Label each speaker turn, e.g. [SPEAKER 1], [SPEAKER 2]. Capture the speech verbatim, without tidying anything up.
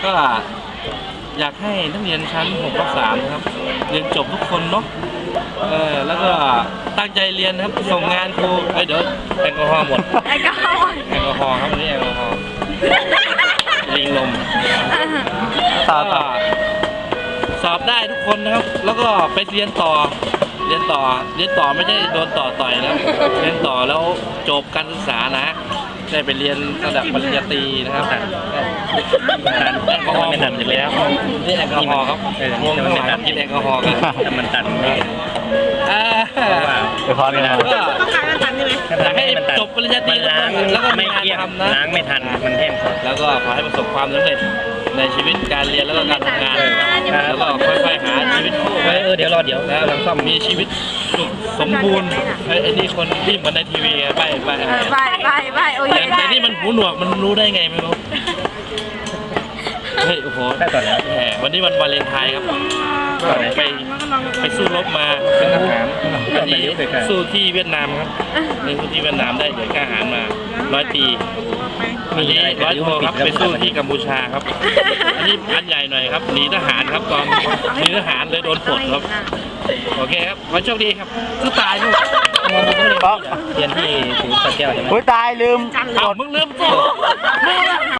[SPEAKER 1] ก็อยากให้นักเรียนชั้นหกทับสามนะครับเรียนจบทุกคนเนาะเออแล้วก็ตั้งใจเรียนนะครับส่งงานครูเอ้ยเดี๋ยวแอลกอฮอล์หมด
[SPEAKER 2] แอลกอฮอล์
[SPEAKER 1] แอลกอฮอล์ครับวันนี้แอลกอฮอล์ลิงลม
[SPEAKER 3] ต่อ
[SPEAKER 1] ก็
[SPEAKER 3] ต่อ
[SPEAKER 1] สอบได้ทุกคนนะครับ แล้วก็ไปเรียนต่อเรียนต่อเรียนต่อไม่ใช่โดนต่อต่อยนะครับเรียนต่อแล้วจบการศึกษานะได้ไปเรียนระดับปริญญาตรีนะครับแต่แอลกอฮอล์หมดอยู่แล้วนี่แอลกอฮอล์ครับวงทั้งหลายครับกินแอลกอฮอล์กันแต่มันตันอ่า
[SPEAKER 3] เดี๋ยวพอเลยนะ
[SPEAKER 1] ก็อยากให้จบปริญญาตรีแล้วก็มีงานทำนะ
[SPEAKER 4] ล้างไม่ทันมันแห้ง
[SPEAKER 1] แล้วก็ขอให้ประสบความสำเร็จในชีวิตการเรียนแล้วก็การทำงานนะครับแล้วก็ค่อยๆหาชีวิตคู่ไป
[SPEAKER 4] เออเดี๋ยวรอเดี๋ยว
[SPEAKER 1] แล้วก็มีชีวิตสุขสมบูรณ์ไอ้ไอ้นี่คนที่เหมือนในทีวีไงไปไป
[SPEAKER 2] เออไปไปไปโอ้ย
[SPEAKER 1] แต่แต่นี่มันหูหนวกมันรู้ได้ไงไม่รู้เฮ้ยโอ้โห
[SPEAKER 4] ได้ต่อแล้ว
[SPEAKER 1] แหมวันนี้วันวาเลนไทน์ครับไปไปสู้รบมาเป็นทหารวันนี้สู้ที่เวียดนามครับไปสู้ที่เวียดนามได้เหรียญกล้าหาญมาร้อยปีอันนี้ร้อยโทครับไปสู้ที่กัมพูชาครับอันนี้อันใหญ่หน่อยครับหนีทหารครับตอนหนีทหารเลยโดนปลดครับโอเคครับขอโชคดีครับสู้ตายลูก
[SPEAKER 3] ป๊อก
[SPEAKER 4] เรียนที่ศูนย์สระแก้วใช่ไหม
[SPEAKER 3] อุ้ยตายลืม
[SPEAKER 1] เอามึงลืมตัว